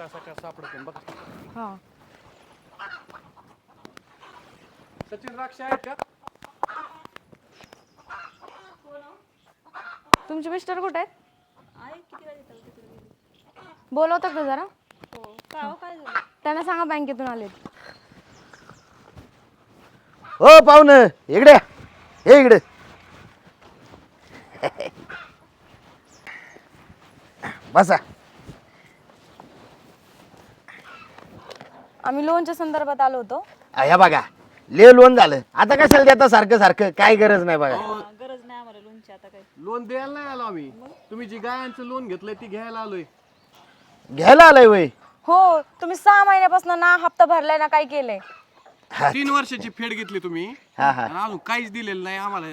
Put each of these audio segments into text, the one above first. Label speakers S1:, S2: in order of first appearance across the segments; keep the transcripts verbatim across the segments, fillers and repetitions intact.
S1: सकाळ सकाळ सापडते बघा.
S2: हा
S1: सचिन द्राक्ष आहेत का?
S2: तुमचे मिस्टर कुठे आहेत?
S3: आहे किती वाजता येतात तिकडे गेले?
S2: बोलवतात का जरा?
S3: हो का हो काय झालं?
S2: त्यांना सांगा बँकेतून आलेत.
S4: हो पाहुणं इकडे हे इकडे बसा.
S2: आम्ही लोनच्या संदर्भात आलो होतो.
S4: ह्या बघा ले लोन झालं आता कशाला देता सारखं सारखं काय गरज नाही बघा.
S3: हा, गरज नाही आम्हाला लोनची आता काय.
S1: लोन द्यायला नाही आलो आम्ही. तुम्ही जी गायांचं लोन घेतलंय ती घ्यायला आलोय.
S4: घ्यायला आलाय वय.
S2: हो तुम्ही सहा महिन्यापासून ना हप्ता भरलाय ना काय केलंय?
S1: तीन वर्षाची फेड घेतली तुम्ही
S4: हा हा
S1: आणि अजून काहीच दिलेलं नाही आम्हाला.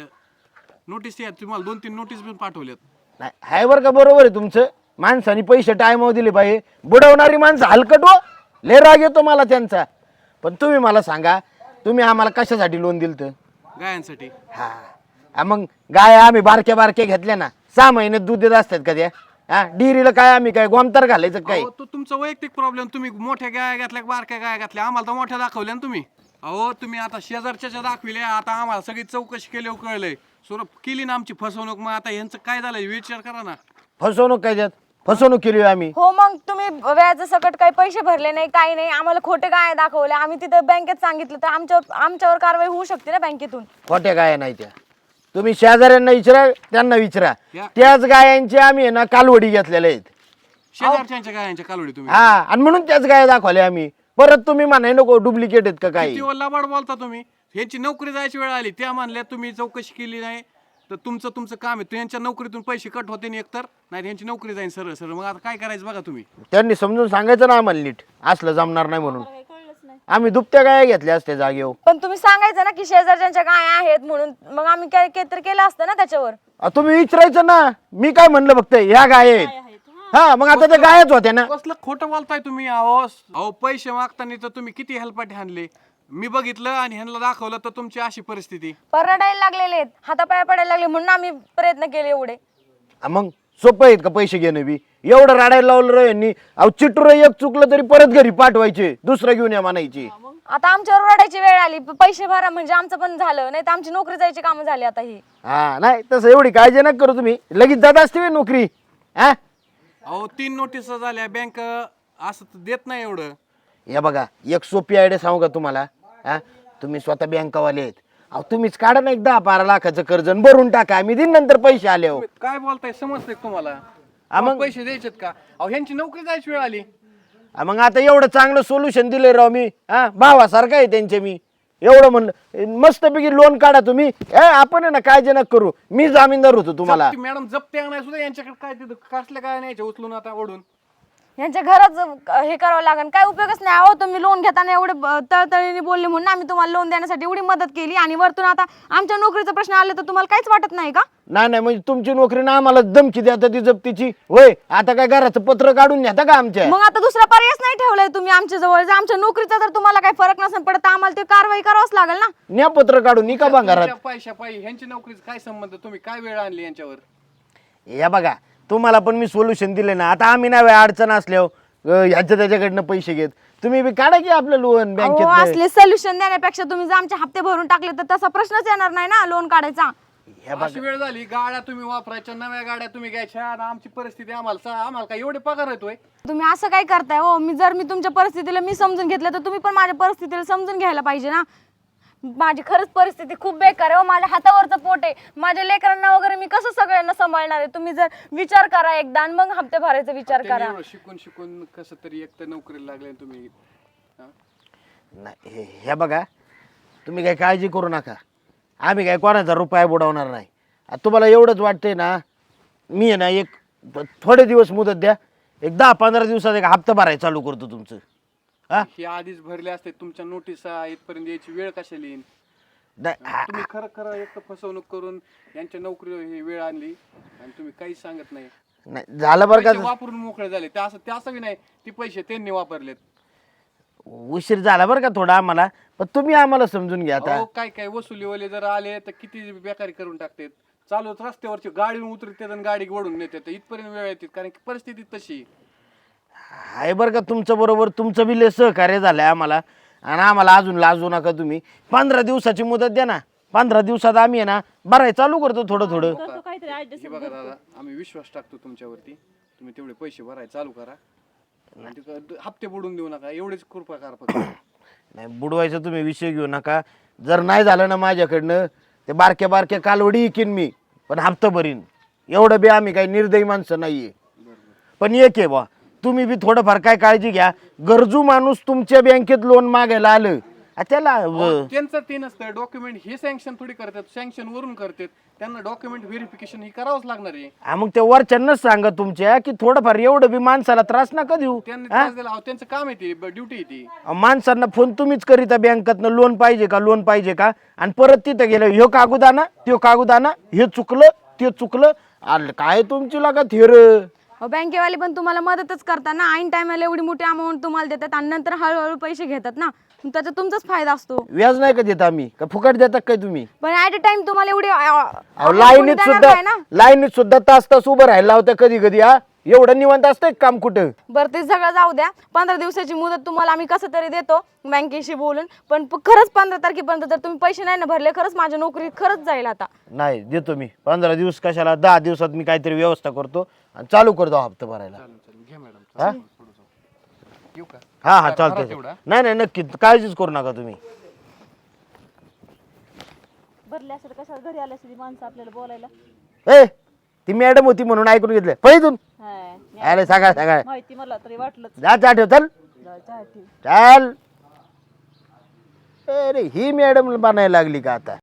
S1: नोटीस या तुम्हाला दोन तीन नोटीस पण पाठवल्यात.
S4: नाही हाय बरं का बरोबर आहे तुमचं. माणसाने पैसे टायमावर दिले पाहिजे. बुडवणारी माणसं हलकट हो लय राग येतो मला त्यांचा. पण तुम्ही मला सांगा तुम्ही आम्हाला कशासाठी लोन दिलं?
S1: गायांसाठी.
S4: हा हा, मग गाय आम्ही बारक्या बारक्या घेतल्या ना सहा महिन्यात दूध देत असतात का त्या? हा डिरीला काय आम्ही काय गोमतर घालायचं काय?
S1: अहो, तो तुमचा वैयक्तिक प्रॉब्लेम. तुम्ही मोठ्या गाया घातल्या बारक्या गाया घातल्या आम्हाला तर मोठ्या दाखवल्या ना तुम्ही. अहो तुम्ही आता शेजारच्या दाखविल्या आता आम्हाला सगळी चौकशी केली कळलंय. सुरप केली ना आमची फसवणूक. मग आता यांचं काय झालंय विचार करा ना.
S4: फसवणूक काय त्यात? फसवणूक केली होय आम्ही.
S2: हो मग तुम्ही व्याज सकट काही पैसे भरले नाही काही नाही आम्हाला खोटे काय दाखवले. आम्ही तिथं बँकेत सांगितलं तर आमच्या आमच्यावर कारवाई होऊ शकते ना बँकेतून.
S4: खोट्या गाया नाही त्या. तुम्ही शेजाऱ्यांना विचारा त्यांना विचारा.
S1: या.
S4: त्याच गायांची आम्ही आहे ना कालवडी घेतलेल्या आहेत.
S1: शेजारच्या गायांच्या कालवडी तुम्ही.
S4: हा आणि म्हणून त्याच गाया दाखवल्या आम्ही. परत तुम्ही म्हणाय नको डुप्लिकेट आहेत का काही?
S1: किती लबाड बोलता तुम्ही. यांची नोकरी जायची वेळ आली त्या म्हणल्या तुम्ही चौकशी केली नाही तर तुमचं तुमचं काम आहे. यांच्या नोकरीतून पैसे कट होते नाही एकतर नाही यांची नोकरी जाईल सरळ सरळ. मग आता काय करायचं बघा तुम्ही.
S4: त्यांनी समजून सांगायचं ना आम्हाला नीट असलं जमणार नाही म्हणून.
S3: मला काही कळलंच नाही.
S4: आम्ही दुपत्या गाया घेतल्या असत्या जागेवर.
S2: पण तुम्ही सांगायचं ना की शेजारच्या काय आहेत म्हणून. मग आम्ही काय काहीतरी केलं असतं ना त्याच्यावर.
S4: अ, तुम्ही विचारायचं ना. मी काय म्हणलं फक्त ह्या गाय आहेत.
S3: काय आहेत? हा.
S4: हा मग आता त्या गायच होत्या ना.
S1: कसलं खोटं बोलताय तुम्ही. अहो अहो पैसे मागताना तर तुम्ही किती हेल्पाटे आणले. मी बघितलं आणि ह्यांना दाखवलं तर तुमची अशी परिस्थिती.
S2: परडायला लागलेले आहेत हातापाया पडायला लागले म्हणून आम्ही प्रयत्न केले एवढे.
S4: अ, मग सोपं आहेत का पैसे घेणं बी? एवढं राडायला लावलं रे यांनी. अहो चिटूर एक चुकलं तरी परत घरी पाठवायचे दुसरं घेऊन या म्हणायची.
S2: आता आमच्यावर रडायची वेळ आली प- पैसे भरा म्हणजे आमचं पण झालं नाही तर आमची नोकरी जायची कामं झाली आता ही.
S4: हा नाही तसं एवढी काळजी नका करू तुम्ही. लगेच जात असते व्हय नोकरी. हा
S1: अहो तीन नोटीस झाल्या बँक असं तर देत नाही एवढं.
S4: या बघा एक सोपी आयडिया सांगू का तुम्हाला? हा तुम्ही स्वतः बँकावाले आहेत. अहो तुम्हीच काढा ना एक दहा बारा लाखाचं कर्ज आणि भरून टाका. आम्ही दिन नंतर पैसे आले हो.
S1: तुम्ही काय बोलताय समजतंय का तुम्हाला?
S4: हा, मग-
S1: मग पैसे द्यायचेत का? अहो ह्यांची नोकरी जायची वेळ आली.
S4: हा, मग आता एवढं चांगलं सोल्युशन दिले राव मी. हा भावासारखं आहे त्यांचे मी. एवढं म्हणलं मस्तपैकी लोन काढा तुम्ही. ए, आपण आहे ना काळजी नका करू. मी जामीनदार होतो तुम्हाला.
S1: जप्ती- मॅडम जप्ती आणाय सुद्धा यांच्याकडे काय तिथं कसल्या काय न्यायचे उचलून आता ओढून.
S2: यांच्या घरात ज- हे करावं लागेल काय उपयोगच नाही. अहो तुम्ही लोन घेताना एवढे ब- तळतळीने बोलले म्हणून आम्ही तुम्हाला लोन देण्यासाठी एवढी मदत केली आणि वरतून आता आमच्या नोकरीचा प्रश्न आला तर तुम्हाला काहीच वाटत नाही का?
S4: नाही नाही म्हणजे तुमची नोकरी ना आम्हाला धमकी द्या ती जप्तीची होय. आता काय घराचं पत्र काढून न्या का आमच्या?
S2: मग आता दुसरा पर्यायच नाही ठेवलाय तुम्ही आमच्या जवळ. जर आमच्या नोकरीचा जर तुम्हाला काही फरक नसेल पडत तर आम्हाला ते कारवाई करावंच लागेल ना.
S4: न्या पत्र काढून निका बा घरात.
S1: तुमच्या पैशा पायी ह्यांची नोकरीचा काय संबंध. तुम्ही काय वेळ आणली यांच्यावर.
S4: या बघा तुम्हाला पण मी सोल्युशन दिले ना. आता आम्ही नाही अडचण असल्यावर ह्याच्या त्याच्याकडनं पैसे घेत. तुम्ही बी काढा की आपलं लोन
S2: अहो,
S4: बँकेत.
S2: असले सोल्युशन देण्यापेक्षा तुम्ही जर आमचे हप्ते भरून टाकले तर तसा प्रश्नच येणार नाही ना लोन काढायचा.
S1: अशी वेळ झाली गाड्या तुम्ही वापरायच्या नव्या गाड्या तुम्ही घ्यायच्या आणि आमची परिस्थिती आम्हाला सा- आम्हाला काय एवढे पगार येतोय.
S2: तुम्ही असं काय करताय हो? मी जर मी तुमच्या परिस्थितीला मी समजून घेतलं तर तुम्ही पण माझ्या परिस्थितीला समजून घ्यायला पाहिजे ना. माझी खरंच परिस्थिती खूप बेकार आहे हो. माझ्या हातावरचं पोट आहे. माझ्या लेकरांना वगैरे मी कसं सगळ्यांना सांभाळणार आहे? तुम्ही जर विचार करा एकदा आणि मग हप्ते भरायचा विचार
S1: त्यांनी
S2: करा.
S1: एवढं शिकून शिकून कसं तरी एक तर नोकरीला लागले तुम्ही. हा?
S4: नाही हे- हे बघा तुम्ही काही काळजी करू नका. आम्ही काय कोणाचा रुपया बुडवणार नाही. आता तुम्हाला एवढंच वाटतंय ना. मी आहे ना एक थोडे दिवस मुदत द्या. एक दहा पंधरा दिवसात एक हप्ता भरायला चालू करतो तुमचं. हा
S1: हे आधीच भरले असते तुमच्या नोटिसा इथपर्यंत यायची वेळ कशाला येईल.
S4: नाही, हा-
S1: तुम्ही खरं खरं एक तर फसवणूक करून यांच्या नोकरीवर ही वेळ आणली आणि तुम्ही काहीच सांगत नाही.
S4: नाही झालं बरं
S1: पैसे
S4: का.
S1: वापरून मोकळे झाले ते असं ते असं बी नाही. ती पैसे त्यांनी वापरलेत.
S4: उशीर झाला बरं का थोडा आम्हाला. पण तुम्ही आम्हाला समजून घ्या आता.
S1: अहो काय काय वसुलीवाले जर आले तर किती बेकारी करून टाकतात. चालूच रस्त्यावरची गाडी उतरतात आणि गाडी ओढून नेतात. इथपर्यंत वेळ येते कारण की परिस्थिती तशी.
S4: आहे बरं का तुमचं बरोबर, तुमचं बी लय सहकार्य झालंय आम्हाला. आणि आम्हाला अजून लाजू नका तुम्ही. पंधरा दिवसाची मुदत द्या ना. पंधरा दिवसात आम्ही आहे ना भराय चालू करतो थोडं थोडं.
S3: करतो काहीतरी ऍडजस्ट.
S1: हे बघा दादा, आम्ही विश्वास टाकतो तुमच्यावरती. तुम्ही तेवढे पैसे भरायला चालू करा आणि ते क- हप्ते बुडून देऊ नका, एवढेच कृपा करा फक्त.
S4: नाही बुडवायचा तुम्ही विषय घेऊ नका. जर नाही झालं ना माझ्याकडनं ते बारक्या बारक्या कालवडी इकीन मी, पण हप्ता भरीन. एवढं बी आम्ही काही निर्दयी माणसं नाहीये. पण एक आहे बा, तुम्ही बी थोडंफार काय काळजी घ्या. गरजू माणूस तुमच्या बँकेत लोन मागायला आलं आ त्याला
S1: अहो, त्यांचं ते नसतं डॉक्युमेंट, हे सँक्शन थोडी करतात, सँक्शन वरून करतात. त्यांना डॉक्युमेंट व्हेरिफिकेशन हे करावंच लागणार आहे.
S4: हा मग ते वरच्यांनाच सांगा तुमच्या की थोडंफार एवढं बी माणसाला त्रास नका देऊ.
S1: त्यांनी त्रास दिला, अहो, त्यांचं काम आहे ते, ड्युटी आहे ती.
S4: अहो, माणसांना फोन तुम्हीच करीता बँकेतनं लोन पाहिजे का लोन पाहिजे का, आणि परत तिथं गेलं ह्यो कागद आणा त्यो कागद आणा, हे चुकलं ते चुकलं. आलं काय तुमची लागा थेर.
S2: अहो, बँकेवाले पण तुम्हाला मदतच करतात ना. ऐन टायमाला एवढी मोठी अमाऊंट तुम्हाला देतात आणि नंतर हळूहळू पैसे घेतात ना. मग त्याचा तुमचाच फायदा असतो.
S4: व्याज नाही का देत आम्ही का फुकट देतात काय तुम्ही.
S2: पण ऍट अ टाइम तुम्हाला एवढी अ,
S4: अहो
S2: amount
S4: लाईनीत
S2: कोणी देणार
S4: सुद्धा
S2: नाही ना.
S4: लाईनीत सुद्धा तास तास उभं राहायला होतं कधी कधी. हा एवढं निवांत असतंय काम कुठं.
S2: बरं ते सगळं जाऊ द्या. पंधरा दिवसाची मुदत तुम्हाला आम्ही कसं तरी देतो बँकेशी बोलून. पण प- खरंच पंधरा तारखेपर्यंत जर तुम्ही पैसे नाही ना भरले, खरंच माझ्या नोकरी खरंच जाईल आता.
S4: नाही देतो मी. पंधरा दिवस कशाला, दहा दिवसात मी काहीतरी व्यवस्था करतो आणि चालू करतो हप्ता भरायला.
S1: चालेल चालेल, घ्या मॅडम.
S4: हा
S1: येऊ का?
S4: हा हा
S1: भरा
S4: चालतंय.
S1: तेवढा.
S4: नाही नाही नक्की काळजीच करू नका तुम्ही.
S3: भरले असेल कशाला घरी आले असेल माणसं आपल्याला बोलायला.
S4: ए ती मॅडम होती म्हणून ऐकून घेतलं पहिजून.
S3: हाय, मी
S4: अरे सकाळ सकाळ
S3: माहिती मला तरी वाटलंच.
S4: जा चहा ठेव चल
S3: जाऊ, चहा ठेव.
S4: चल. अरे ही मॅडम बनायला लागली का आता.